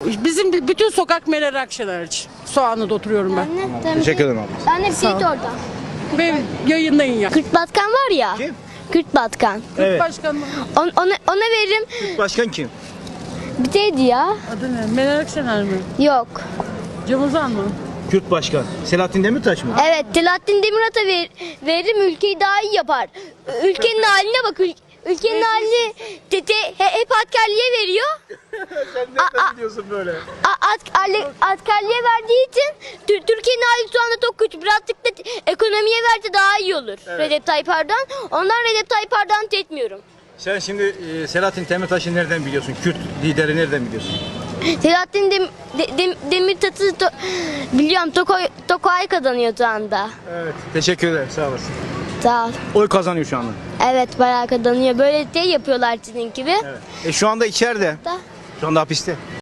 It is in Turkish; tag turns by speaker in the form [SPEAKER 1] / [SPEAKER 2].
[SPEAKER 1] Bizim bütün sokak Meral Akşener için. Soğanlı'da oturuyorum ben.
[SPEAKER 2] Teşekkür ederim abi.
[SPEAKER 3] Ben hep Seyit orada.
[SPEAKER 1] Ve yayınlayın ya.
[SPEAKER 3] Kürt Batkan var ya.
[SPEAKER 2] Kim?
[SPEAKER 3] Kürt Batkan.
[SPEAKER 2] Evet.
[SPEAKER 1] Başkan
[SPEAKER 3] Ona veririm.
[SPEAKER 2] Başkan kim?
[SPEAKER 3] Bir deydi ya.
[SPEAKER 1] adı ne? Meral Akşener mi?
[SPEAKER 3] Yok.
[SPEAKER 1] Cem Uzan mı?
[SPEAKER 2] Kürt Başkan. Selahattin Demirtaş mı?
[SPEAKER 3] Evet, Selahattin Demirtaş'a veririm, ülkeyi daha iyi yapar. Ülkenin haline bak. Ülkenin halini hep askerliğe veriyor.
[SPEAKER 2] Sen nereden biliyorsun böyle?
[SPEAKER 3] Askerliğe verdiği için Türkiye'nin hali şu anda çok kötü. Birazcık da ekonomiye verse daha iyi olur. Recep Tayyip Erdoğan. Ondan Recep Tayyip Erdoğan'ı etmiyorum.
[SPEAKER 2] Sen şimdi Selahattin Demirtaş'ı nereden biliyorsun? Kürt lideri nereden biliyorsun?
[SPEAKER 3] Selahattin Demirtaş'ı biliyorum. Tokay kazanıyor şu anda.
[SPEAKER 2] Evet. Teşekkür ederim. Sağ olasın.
[SPEAKER 3] Sağ ol.
[SPEAKER 2] Oy kazanıyor şu anda.
[SPEAKER 3] Evet, bayağı kazanıyor. Böyle şey yapıyorlar sizin gibi.
[SPEAKER 2] Evet. Şu anda içeride.
[SPEAKER 3] Da.
[SPEAKER 2] Şu anda hapiste.